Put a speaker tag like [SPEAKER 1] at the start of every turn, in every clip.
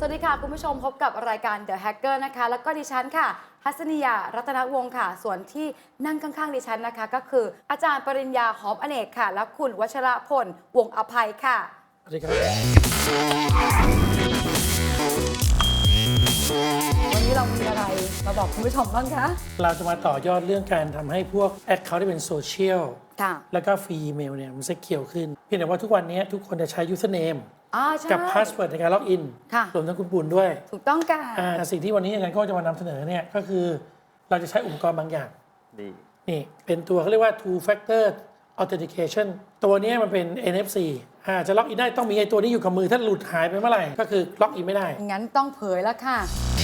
[SPEAKER 1] วัสดีค่ะคุณผู้ชมพบกับรายการ The Hacker นะคะแล้วก็ดิฉันค่ะทัศนียารัตนวงศ์ค่ะส่วนที่นั่งข้างๆดิฉันนะคะก็คืออาจารย์ปริญญาหอมอเนกค่ะและคุณวัชรพลวงศ์อภัยค่ะ
[SPEAKER 2] สวัสดีครับ
[SPEAKER 1] วันนี้เรามีอะไรมาบอกคุณผู้ชมบ้างคะ
[SPEAKER 2] เราจะมาต่อยอดเรื่องการทำให้พวกแอคเคาท์ที่เป็นโซเชียลแล้วก็ฟรีอีเมลเนี่ยมันจะเขียวขึ้นเพียงแต่ว่าทุกวันนี้ทุกคนจะใช้ username กับ password ในการล็อกอินรวมทั้งคุณปุณด้วย
[SPEAKER 1] ถูกต้องค่ะ
[SPEAKER 2] สิ่งที่วันนี้อาจารย์ก็จะมานำเสนอเนี่ยก็คือเราจะใช้อุปกรณ์บางอย่างนี่เป็นตัวเขาเรียกว่า two factor authentication ตัวนี้มันเป็น NFC จะล็อกอินได้ต้องมีไอ้ตัวนี้อยู่กับมือถ้าหลุดหายไปเมื่อไหร่ก็คือล็อกอินไม่ได้
[SPEAKER 1] งั้นต้องเผยแล้วค่ะ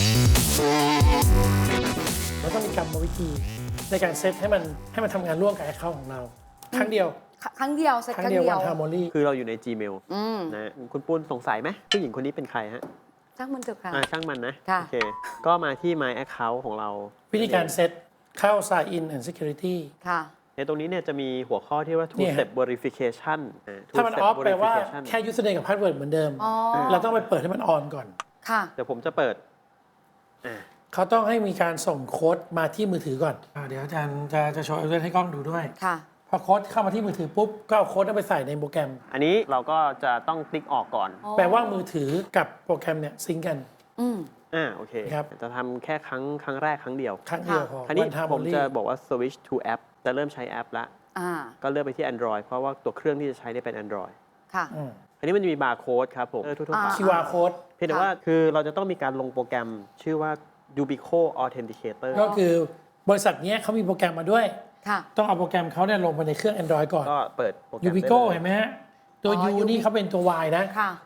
[SPEAKER 2] เราต้องมีกรรมวิธีในการเซตให้มันทำงานร่วมกับ account ของเราครั้งเดียว
[SPEAKER 1] เซตครั้งเดียว
[SPEAKER 2] วันฮาร์โมนี
[SPEAKER 3] คือเราอยู่ใน Gmail นะคุณปุ้นสงสัยไหมผู้หญิงคนนี้เป็นใครฮะ
[SPEAKER 1] ช่างมันเถอะค่ะ
[SPEAKER 3] ช่างมันนะโอเคก็มาที่ My Account ของเรา
[SPEAKER 2] วิธีการเซตเข้า Sign in and Security
[SPEAKER 1] ค่ะ
[SPEAKER 3] ในตรงนี้เนี่ยจะมีหัวข้อที่ว่า two step verification
[SPEAKER 2] ถ้ามันออฟแปลว่าแค่ username กับ password เหมือนเดิมเราต้องไปเปิดให้มันออนก่อน
[SPEAKER 1] ค่ะ
[SPEAKER 3] เดี๋ยวผมจะเปิด
[SPEAKER 2] เขาต้องให้มีการส่งโค้ดมาที่มือถือก่อนเดี๋ยวอาจารย์จะโชว์ให้กล้องดูด้วย
[SPEAKER 1] ค่ะ
[SPEAKER 2] พอโค้ดเข้ามาที่มือถือปุ๊บก็เอาโค้ดนั้นไปใส่ในโปรแกรม
[SPEAKER 3] อันนี้เราก็จะต้องติ๊กออกก่อน
[SPEAKER 2] แปลว่ามือถือกับโปรแกรมเนี่ยซิงกัน
[SPEAKER 3] โอเคครับจะทำแค่ครั้งแรกครั้งเดียว
[SPEAKER 2] พอ
[SPEAKER 3] คราวนี้ผมจะบอกว่า switch to app จะเริ่มใช้แอปละก็เลือกไปที่ Android เพราะว่าตัวเครื่องที่จะใช้เป็น Android
[SPEAKER 1] ค่ะ
[SPEAKER 3] อันนี้มันจะมีบาร์โค้ดครับผมทั่วๆไป
[SPEAKER 2] QR code
[SPEAKER 3] เพียงแต่ว่าคือเราจะต้องมีการลงโปรแกรมชื่อว่า Ubico Authenticator
[SPEAKER 2] ก็คือบริษัทนี้เขามีโปรแกรมมาด้วยต้องเอาโปรแกรมเขาเนี่ยลงไปในเครื่อง Android ก่อน
[SPEAKER 3] ก็เปิดโปรแกรม
[SPEAKER 2] Ubico เห็นไหมฮะตัว U นี่เขาเป็นตัว Y นะ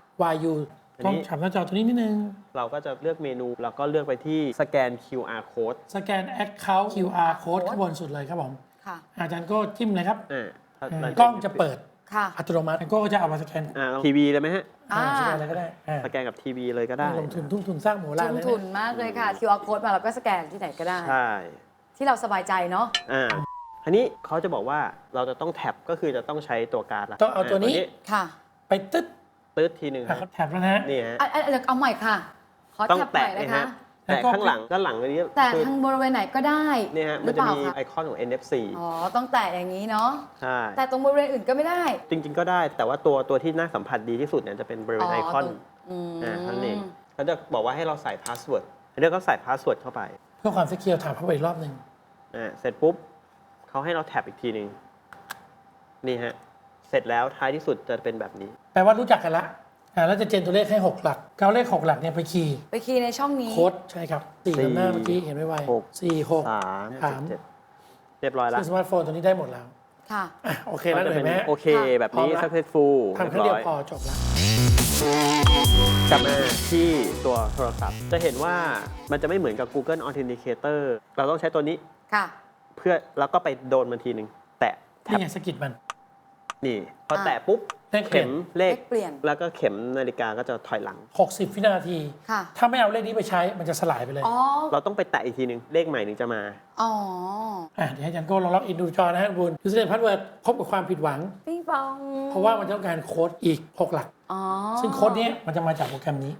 [SPEAKER 2] YU ต้องฉับหน้าจอตัวนี้นิดนึง
[SPEAKER 3] เราก็จะเลือกเมนูแล้วก็เลือกไปที่สแกน QR code
[SPEAKER 2] สแกน Account QR code ข้างบนสุดเลยครับผมอาจารย์ก็จิ้มเลยครับกล้องจะเปิดอัตโนมัติก็จะเอามาสแกน
[SPEAKER 3] ทีวีเลยไหมฮะ
[SPEAKER 2] สแกนอะไรก็ได้
[SPEAKER 3] สแกนกับทีวีเลยก็ได้
[SPEAKER 2] ลงทุนทุ่มทุนสร้างโมล่า
[SPEAKER 1] เลยลงทุนมากเลยค่ะ QR code มาเราก็สแกนที่ไหนก็ได้
[SPEAKER 3] ใช่
[SPEAKER 1] ที่เราสบายใจเนาะ
[SPEAKER 3] อันนี้เขาจะบอกว่าเราจะต้องแท็บก็คือจะต้องใช้ตัวการ์ดละ
[SPEAKER 2] ต้องเอาตัวนี้ไปตึ๊ด
[SPEAKER 3] ทีหนึ่ง
[SPEAKER 2] เขาแท็บแล้วนะ
[SPEAKER 3] นี่ฮะ
[SPEAKER 1] เอาใหม่ค่ะขอแท็บใหม่เลยค่ะ
[SPEAKER 3] แต่ข้างหลังด้านหลังอันนี้
[SPEAKER 1] แต่ทางบริเวณไหนก็ได้
[SPEAKER 3] นี่ฮะมันจะมีไอคอนของ NFC
[SPEAKER 1] ต้องแตะอย่างนี้เนาะ
[SPEAKER 3] ใช่
[SPEAKER 1] แต่ตรงบริเวณอื่นก็ไม่ได้
[SPEAKER 3] จริงๆก็ได้แต่ว่าตัวที่น่าสัมผัสดีที่สุดเนี่ยจะเป็นบริเวณไอคอนนั่นเองเขาจะบอกว่าให้เราใส่พาสเวิร์ดเรียกก็ใส่พาสเวิร์ดเข้าไป
[SPEAKER 2] เพื่อความเซคิวร์ถามเข้าไปอีกรอบนึง
[SPEAKER 3] เสร็จปุ๊บเขาให้เราแท็บอีกทีนึงนี่ฮะเสร็จแล้วท้ายที่สุดจะเป็นแบบนี้
[SPEAKER 2] แปลว่ารู้จักกันละแล้วจะเจนตัวเลขให้6หลักเอาเลข6หลักเนี่ยไปคีย์
[SPEAKER 1] ในช่องนี้
[SPEAKER 2] โค้ดใช่ครับ4หน้าเมื่อกี้เห็นไวๆ4 6 3
[SPEAKER 3] เรียบร้อยแล้ว
[SPEAKER 2] สมาร์ทโฟนตัวนี้ได้หมดแล้ว
[SPEAKER 1] ค่ะ
[SPEAKER 2] โอเคแล้วเห็นไหม
[SPEAKER 3] โอเคแบบนี้ successful
[SPEAKER 2] ทำแค่เดียวพอจบแล้ว
[SPEAKER 3] กลับมาที่ตัวโทรศัพท์จะเห็นว่ามันจะไม่เหมือนกับ Google Authenticator เราต้องใช้ตัวนี้เพื่อแล้วก็ไปโดนมันทีหนึ่งแตะ
[SPEAKER 2] นี่ไงสกิดมัน
[SPEAKER 3] นี่พอแตะปุ๊บเข็มเลข
[SPEAKER 1] เปลี่ยน
[SPEAKER 3] แล้วก็เข็มนาฬิกาก็จะถอยหลัง
[SPEAKER 2] 60 วินาทีถ้าไม่เอาเลขนี้ไปใช้มันจะสลายไปเลย
[SPEAKER 3] เราต้องไปแตะอีกทีนึงเลขใหม่ถึงจะมา
[SPEAKER 2] เดี๋ยวให้อาจารย์โก้ลองล็อกอินดูจอนะฮะบุญยูสเนมพาสเวิร์ดพบกับความผิดหวัง
[SPEAKER 1] ปิ๊งปอง
[SPEAKER 2] เพราะว่ามันต้องการโค้ดอีก6หลักซึ่งโค้ดนี้มันจะมาจากโปรแกรมนี้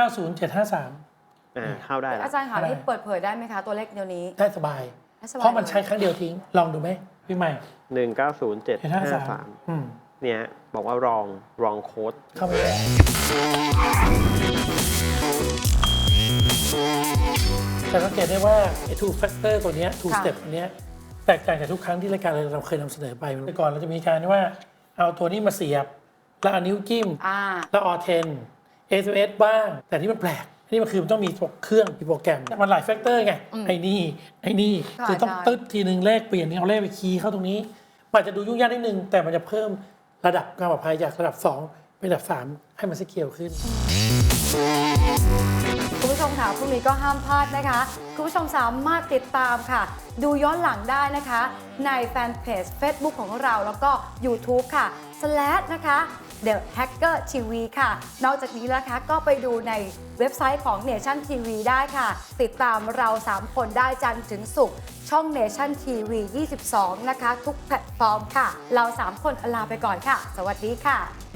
[SPEAKER 2] 190753
[SPEAKER 3] เข้าได้
[SPEAKER 1] อาจารย์ค่ะนี่เปิดเผยได้ไหมคะตัวเลขเดียวนี้
[SPEAKER 2] ได้สบายเพราะมันใช้ครั้งเดียวทิ้งลองดูไหมพี่ใหม่
[SPEAKER 3] 190753เนี่ยบอกว่ารองโค้ด
[SPEAKER 2] เข้าไปแล้วแต่สังเกตได้ว่าไอ้ two factor ตัวนี้ two step ตัวนี้แตกต่างจากทุกครั้งที่รายการเราเคยนำเสนอไปเมื่อก่อนเราจะมีการว่าเอาตัวนี้มาเสียบแล้วเอานิ้วจิ้มแล้วออเทน SMS บ้างแต่ที่มันแปลกนี่มันคือมันต้องมีเครื่องมีโปรแกรมมันหลายแฟกเตอร์ไงไอ้นี่คือต้องตึ๊ดทีนึงเลขเปลี่ยนนี่เอาเลขไปคีย์เข้าตรงนี้มันจะดูยุ่งยากนิดนึงแต่มันจะเพิ่มระดับความปลอดภัยจากระดับ2เป็นระดับ3ให้มันซิเคียวขึ้น
[SPEAKER 1] คุณผู้ชมค่ะพรุ่งนี้ก็ห้ามพลาดนะคะคุณผู้ชมสามารถติดตามค่ะดูย้อนหลังได้นะคะในแฟนเพจ Facebook ของเราแล้วก็ YouTube ค่ะ/นะคะ The Hacker TV ค่ะนอกจากนี้นะคะก็ไปดูในเว็บไซต์ของ Nation TV ได้ค่ะติดตามเรา3คนได้จันทร์ถึงศุกร์ช่อง Nation TV 22นะคะทุกแพลตฟอร์มค่ะเรา3คนลาไปก่อนค่ะสวัสดีค่ะ